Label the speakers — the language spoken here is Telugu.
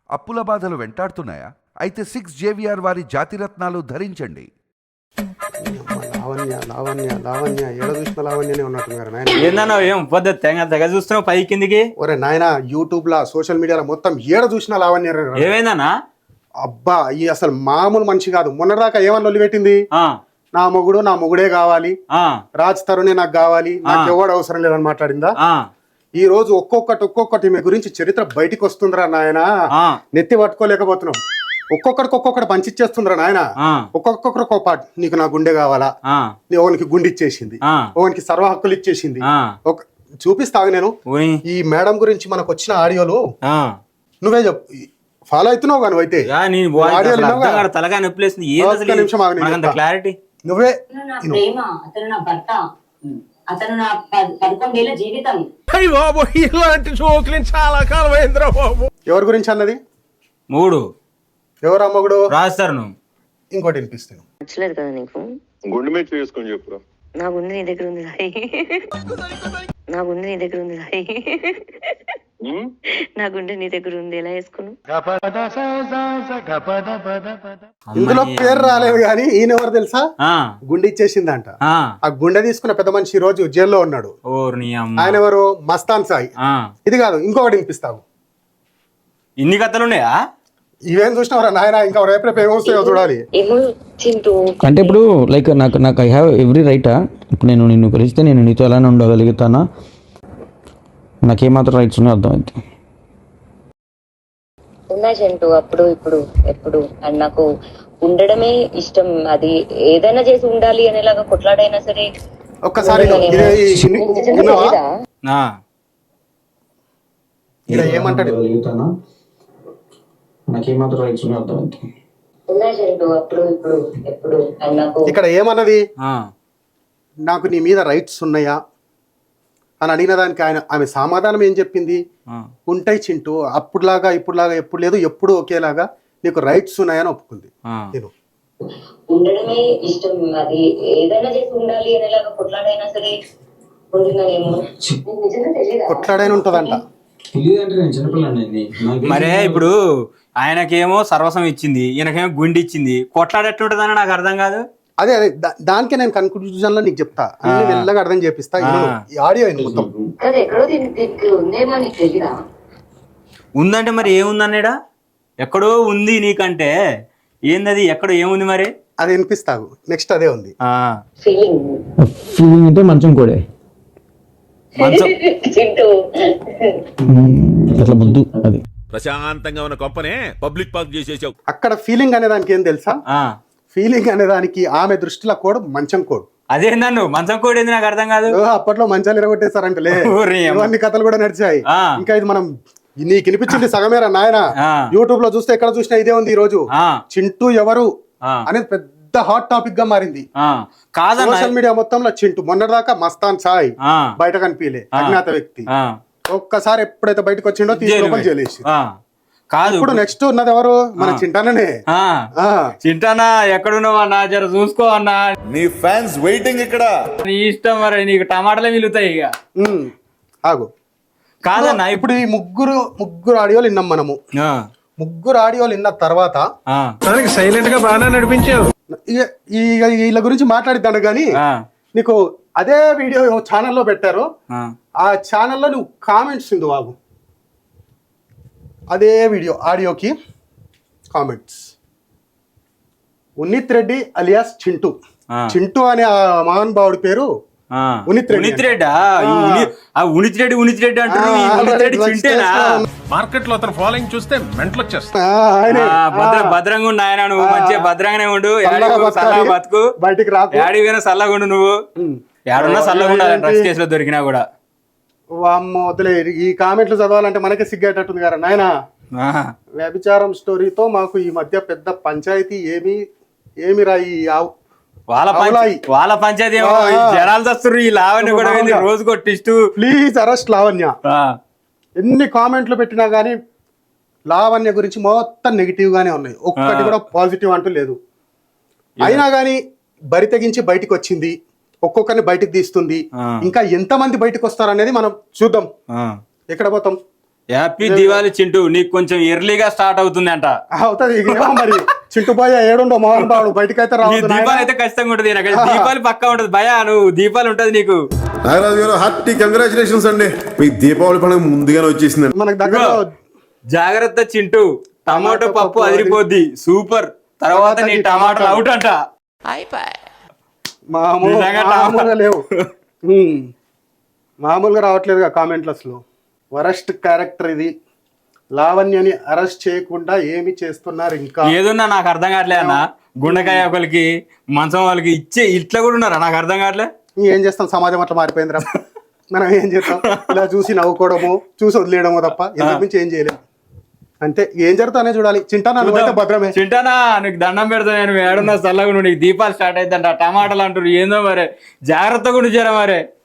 Speaker 1: అప్పుల బాధలు వెంటాడుతున్నాయా? అయితే 6 JVR వారి జాతిరత్నాలు ధరించండి.
Speaker 2: లావణ్య లావణ్య లావణ్య ఏడ చూసిన లావణ్యనే ఉన్నట్టున్నారు నాయన.
Speaker 3: ఏందన్నా ఏం పద్ధతి తెగ చూస్తున్నావు పై కిందికి?
Speaker 2: ఒరే నాయన, యూట్యూబ్ లా సోషల్ మీడియాలో మొత్తం ఏడ చూసిన లావణ్య.
Speaker 3: ఏమైందన్నా?
Speaker 2: అబ్బా, ఈ అసలు మామూలు మనిషి కాదు. మొన్నదాకా ఏమని లొల్లి పెట్టింది, నా మొగుడే కావాలి, రాజ్ తరుణే నాకు కావాలి, నాకు ఎవడు అవసరం లేదని మాట్లాడిందా. ఈ రోజు ఒక్కొక్కటి మీ గురించి చరిత్ర బయటికి వస్తుందిరా నాయన. నెత్తి పట్టుకోలేకపోతున్నాం. ఒక్కొక్కడికి పంచిచ్చేస్తుందిరా నాయన. ఒక్కొక్కరు ఒక పాట, నీకు నా గుండె కావాలా, ఓనికి గుండె ఇచ్చేసింది, ఓనికి సర్వ హక్కులు ఇచ్చేసింది. చూపిస్తాగు నేను ఈ మేడం గురించి మనకు వచ్చిన ఆడియోలు. నువ్వే చెప్పు, ఫాలో అవుతున్నావు కానీ అయితే
Speaker 3: క్లారిటీ
Speaker 2: నువ్వే.
Speaker 4: అతను నా 11 ఏళ్ల జీవితం.
Speaker 5: ఇలాంటి జోకులు చాలా కాలం అయిందిరా బాబు.
Speaker 2: ఎవరి గురించి అన్నది?
Speaker 3: 3
Speaker 2: ఎవరు అమ్మగుడు
Speaker 3: రాస్తారు.
Speaker 2: ఇంకోటి వినిపిస్తాను.
Speaker 6: నచ్చలేదు కదా నీకు?
Speaker 7: గుండె మీద చేసుకొని చెప్పురా.
Speaker 6: నా గుండె నీ దగ్గర ఉంది రాయి, నా గుండె నీ దగ్గర ఉంది రాయి, నా గుండె నీ దగ్గర ఉంది, ఎలా వేసుకున్నావు?
Speaker 2: ఇందులో పేరు రాలేదు కానీ ఈయన ఎవరు తెలుసా? గుండె ఇచ్చేసిందంట. ఆ గుండె తీసుకున్న పెద్ద మనిషి ఈ రోజు జైల్లో ఉన్నాడు. ఆయన ఎవరు? మస్తాన్ సాయి. ఇది కాదు, ఇంకొకటి వినిపిస్తావు.
Speaker 3: ఇన్ని కథలు ఉన్నాయా?
Speaker 2: ఇవేం చూసినవరా నాయన? ఇంకా రేపు ఏమొస్తాయో చూడాలి.
Speaker 8: అంటే ఇప్పుడు లైక్ నాకు ఐ హ్యావ్ ఎవ్రీ రైటా. ఇప్పుడు నేను నిన్ను కలిస్తే నేను నీతో ఎలానే ఉండగలుగుతానా? నాకేమాత్రం రైట్స్ ఉన్నాయో అర్థమైంది.
Speaker 6: ఉన్నా చింటూ, అప్పుడు ఇప్పుడు ఎప్పుడు అండ్ నాకు ఉండడమే ఇష్టం. అది ఏదైనా చేసి ఉండాలి అనేలాగా కొట్లాడైనా సరే.
Speaker 2: ఒక్కసారి ఏమంటాడు?
Speaker 8: నాకేమాత్రం రైట్స్ ఉన్నాయో అర్థమైంది.
Speaker 6: ఉన్నా చింటూ, అప్పుడు ఇప్పుడు ఎప్పుడు అండ్ నాకు.
Speaker 2: ఇక్కడ ఏమన్నది? నాకు నీ మీద రైట్స్ ఉన్నాయా అని అడిగిన దానికి ఆమె సమాధానం ఏం చెప్పింది? ఉంటాయి చింటూ, అప్పుడులాగా ఇప్పుడులాగా ఎప్పుడు లేదు, ఎప్పుడు ఒకేలాగా నీకు రైట్స్ ఉన్నాయని ఒప్పుకుంది. నేను
Speaker 6: ఉండడమే ఇష్టం. అది ఏదైనా చేసి ఉండాలి అనేలాగా కొట్లాడైనా సరే ఉంటున్నానేమో.
Speaker 2: కొట్లాడైనా ఉంటదంట.
Speaker 3: మరే ఇప్పుడు ఆయనకేమో సర్వస్వం ఇచ్చింది, ఈయనకేమో గుండె ఇచ్చింది. కొట్లాడేట్లుంటదని నాకు అర్థం కాదు.
Speaker 2: అదే దానికే నేను కన్క్లూజన్ లో నీకు చెప్తా, అన్ని మెల్లగా అర్థం చేపిస్తా. ఆడియో మొత్తం
Speaker 3: ఉందంటే మరి ఏముందన్నాడా? ఎక్కడో ఉంది నీకంటే ఏందది? ఎక్కడో ఏముంది మరి?
Speaker 2: అది వినిపిస్తావు. నెక్స్ట్ అదే ఉంది.
Speaker 8: ఫీలింగ్ అంటే మంచం కూడా అట్లా ముద్దు. అది
Speaker 5: ప్రశాంతంగా ఉన్న కొంపనే పబ్లిక్ పార్క్ చేసేసావు.
Speaker 2: అక్కడ ఫీలింగ్ అనే దానికి ఏం తెలుసా? ఫీలింగ్ అనే దానికి ఆమె దృష్టిలో కోడ్ మంచం కోడ్.
Speaker 3: అదే నన్ను మంచం కోడ్ ఏంది నాకు అర్థం కాదు.
Speaker 2: అప్పట్లో మంచాలు ఎరగొట్టేశారంటలే, ఇవన్నీ కథలు కూడా నడిచాయి. ఇంకా ఇది మనం నీకు వినిపించింది సగమేరా నాయన. యూట్యూబ్ లో చూస్తే ఎక్కడ చూసినా ఇదే ఉంది. ఈ రోజు చింటూ ఎవరు అనేది పెద్ద హాట్ టాపిక్ గా మారింది. సోషల్ మీడియా మొత్తంలో చింటూ. మొన్నటిదాకా మస్తాన్ సాయి బయట కనిపించలే, అజ్ఞాత వ్యక్తి. ఒక్కసారి ఎప్పుడైతే బయటకు వచ్చిండో తీసుకొని జైలేసి.
Speaker 3: కాదు,
Speaker 2: ఇప్పుడు నెక్స్ట్ ఉన్నది ఎవరు? మన చింటానే.
Speaker 3: చింటానా ఎక్కడున్నావు అన్నా? జర చూసుకో అన్నా,
Speaker 7: నీ ఫ్యాన్స్ వెయిటింగ్ ఇక్కడ.
Speaker 3: నీ ఇష్టం మరి, నీకు టమాటాలే మిగులుతాయి ఇక.
Speaker 2: ఆగు.
Speaker 3: కాదన్నా,
Speaker 2: ఇప్పుడు ఈ ముగ్గురు ఆడియోలు విన్నాం మనము. ముగ్గురు ఆడియోలు విన్న తర్వాత
Speaker 5: సైలెంట్ గా బాగా నడిపించావు.
Speaker 2: వీళ్ళ గురించి మాట్లాడిద్దాను గానీ, నీకు అదే వీడియో ఛానల్లో పెట్టారు. ఆ ఛానల్లో నువ్వు కామెంట్స్ ఉంది బాబు. అదే వీడియో ఆడియోకి కామెంట్స్. ఉన్నిత్ రెడ్డి అలియాస్ చింటూ. చింటూ అనే ఆ మహానుభావుడి పేరు ఉన్నిత్ రెడ్డి.
Speaker 5: మార్కెట్ లో అతను ఫాలోయింగ్ చూస్తే మెంటల్ వచ్చేస్తా.
Speaker 3: భద్రంగా ఉండు ఆయన, నువ్వు మంచిగా భద్రంగానే ఉండు. బతుకు,
Speaker 2: బయటికి రాకు,
Speaker 3: ఏడిపోయినా చల్లగా ఉండు. నువ్వు ఏడున్నా చల్లగా ఉండాలి, డ్రగ్స్ కేసులో దొరికినా కూడా.
Speaker 2: వామ్మో వదిలే, ఈ కామెంట్లు చదవాలంటే మనకే సిగ్గేటట్టుంది కదా నాయన. వ్యభిచారం స్టోరీతో మాకు ఈ మధ్య పెద్ద పంచాయతీ ఏమి రాయి.
Speaker 3: వాళ్ళ పంచాయతీ జనాలు వస్తారు. ఈ లావణ్య కూడా రోజు కొట్టిస్తూ
Speaker 2: ప్లీజ్ అరెస్ట్ లావణ్య. ఎన్ని కామెంట్లు పెట్టినా గానీ లావణ్య గురించి మొత్తం నెగిటివ్ గానే ఉన్నాయి. ఒక్కటి కూడా పాజిటివ్ అంటూ లేదు. అయినా గానీ బరి తెగించి బయటకు వచ్చింది. ఒక్కొక్కరిని బయటకు తీస్తుంది. ఇంకా ఎంతమంది బయటకు వస్తారు అనేది మనం చూద్దాం. ఎక్కడ పోతాం?
Speaker 3: హ్యాపీ దివాళీ చింటూ, నీకు కొంచెం ఎర్లీగా స్టార్ట్ అవుతుంది అంట.
Speaker 2: అవుతుంది ఇక ఏమో మరి చింటూ భయ ఏడుండో మోహన్ బాబు బయటకైతే
Speaker 3: నీ
Speaker 2: రావద్దు
Speaker 3: దీపావళి
Speaker 2: నాయనా.
Speaker 3: అయితే ఖచ్చితంగా ఉంటుంది. నాకు దీపావళి పక్కా ఉంటది భయ, నువ్వు దీపావళి ఉంటది నీకు.
Speaker 7: నాగరాజు గారు హార్టీ కంగ్రాచులేషన్స్ అండి, మీ దీపావళి పండుగ ముందుగానే వచ్చేసింది.
Speaker 2: మనకు దగ్గర
Speaker 3: జాగ్రత్త చింటూ, టమాటో పప్పు అదిరిపోద్ది, సూపర్. తర్వాత నీ టమాటాలు అవుట్ అంట. నిజంగా
Speaker 2: మామూలుగా లేవు. మామూలుగా రావట్లేదుగా కామెంట్లస్ లో. వరస్ట్ క్యారెక్టర్ ఇది. లావణ్యని అరెస్ట్ చేయకుండా ఏమి చేస్తున్నారు ఇంకా?
Speaker 3: ఏదున్నా నాకు అర్థం కావట్లే అన్న. గుండెకాయ ఒకరికి, మంచం వాళ్ళకి ఇచ్చే ఇట్లా కూడా ఉన్నారా? నాకు అర్థం కావట్లే.
Speaker 2: ఏం చేస్తాం, సమాజం అట్లా మారిపోయిందిరా. మనం ఏం చేస్తాం, ఇలా చూసి నవ్వుకోవడము, చూసి వదిలేయడము తప్ప ఇంతకు మించి ఏం చేయలేము. అంతే, ఏం జరుగుతానే చూడాలి. చింటానా నువ్వైతే భద్రమే.
Speaker 3: చింటానా నీకు దండం పెడతా, నేను ఏడున్నా చల్లగా, నీకు దీపాలు స్టార్ట్ అవుతుందంట, టమాటాలు అంటారు ఏందో మరి, జాగ్రత్తగా ఉండి చేరా మరి.